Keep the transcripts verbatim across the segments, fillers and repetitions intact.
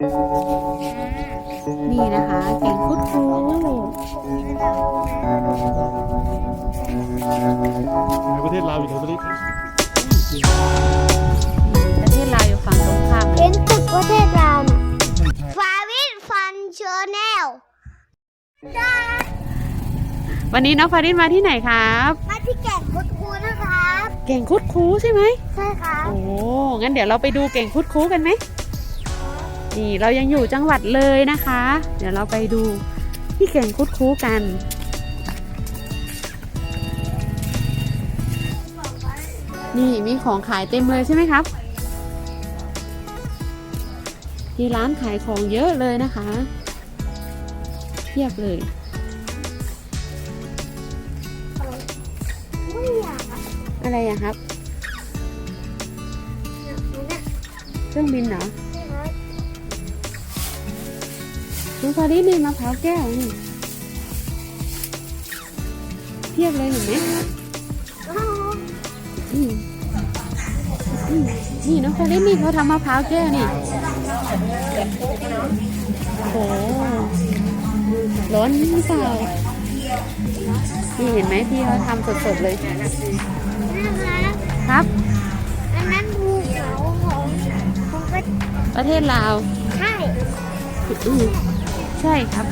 นี่นะคะแก่งคุดคูในประเทศลาวอยู่ในประเทศประเทศลาวอยู่ฝั่งตรงข้ามเห็นตึกประเทศลาวน่ะฟาวินฟันเชอร์แนลวันนี้น้องฟารินมาที่ไหนครับมาที่แก่งคุดคูนะครับแก่งคุดคูใช่ไหมใช่ครับโอ้งั้นเดี๋ยวเราไปดูแก่งคุดคูกันไหมนี่เรายังอยู่จังหวัดเลยนะคะ เดี๋ยวเราไปดูที่แก่งคุดคูกัน นี่มีของขายเต็มเลยใช่ไหมครับที่ร้านขายของเยอะเลยนะคะเทียบเลยไม่อยากอ่ะอะไรอะครับเนี่ยเครื่องบินเหรอนะครับน้องฟาริสนี่มะพร้าวแก้วนี่เทียบเลยเห็นไหมอ๋ออืมอืมนี่น้องฟาริสนี่เขาทำมะพร้าวแก้วนี่โอ้โหร้อนหรือเปล่านี่เห็นไหมพี่เขาทำสดๆเลยนะครับครับอันนั้นภูเขาของของประประเทศลาวใช่อืมใช่ครับ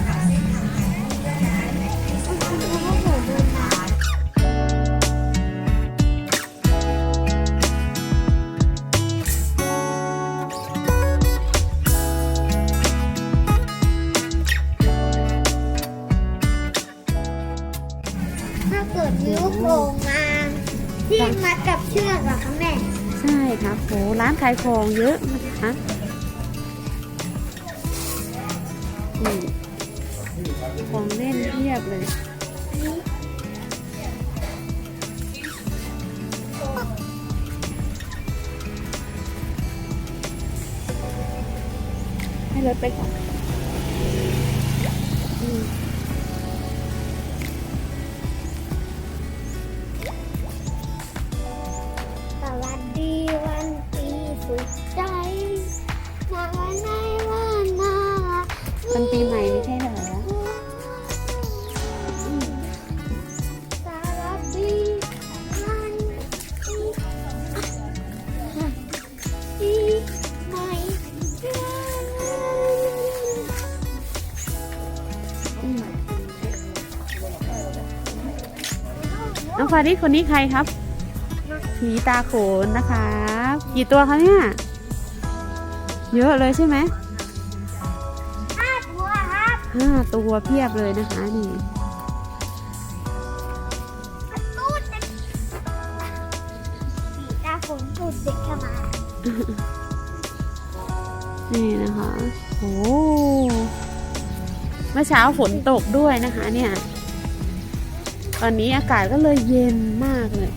ถ้าเกิดนิ้วโผล่มาที่มัดกับเชือกอะคะแม่ใช่ครับโหร้านขายของเยอะนะคะนี่ของเล่นเพียบเลยให้รถไปก่อนอืมสวัสดีวันปีสุดใจมาวันไหนวันนาเป็นปีใหม่ไม่ใช่เหรอสวัสดีวันปีปีใหม่อืมน้องฟาริสคนนี้ใครครับผีตาโขนนะคะกี่ตัวคะเนี่ยเยอะเลยใช่ไหมห้าตัวครับห้าตัวเพียบเลยนะคะนี่ตูดเด็กสีตาฝนตูดเด็กเข้ามานี่นะคะโอ้เมื่อเช้าฝนตกด้วยนะคะเนี่ยตอนนี้อากาศก็เลยเย็นมากเลย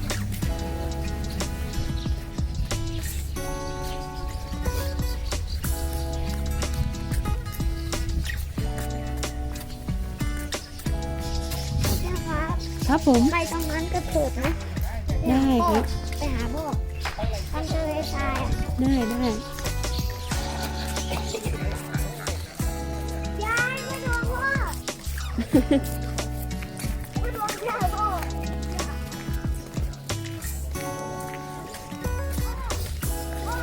นะครับครับผมไปตรงนั้นก็เถิดนะได้ครับไปหาพ่อทำทะเลทรายอะได้ได้ยายไม่โดนพ่อไม่โดนยายพ่อพ่อ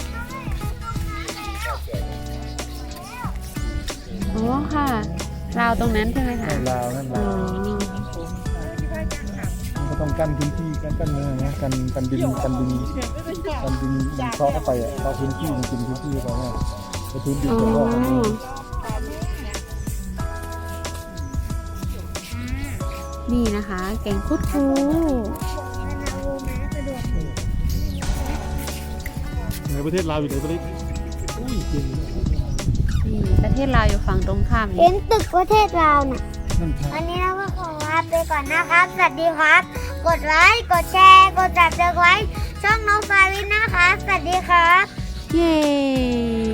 ไม่ทำให้ตรงนั้นแล้วอ๋อค่ะราวตรงนั้นใช่ไหมคะลาวนั่นอ๋ลาอวก็ต้องกั้นพื้นที่กั้นกั้นเมืองนะกันกันดินกันดินกันดินเคาะเข้าไปอ่ะเข้าพื้นที่มันกินพื้นที่เขาเนี่ยพื้นดินอ๋อเขาก็เขานี่นะคะแกงคุดคูในประเทศลาวอยู่ในประเทศอุ้ยจริงนี่ประเทศลาวอยู่ฝั่งตรงข้ามเห็นตึกประเทศลาวน่ะนั่นใช่วันนี้เราก็ขอลาไปก่อนนะครับ สวัสดีครับ กดไลค์ กดแชร์ กดจับเจอไว้ ช่องน้องฟาวินนะครับ สวัสดีครับเย้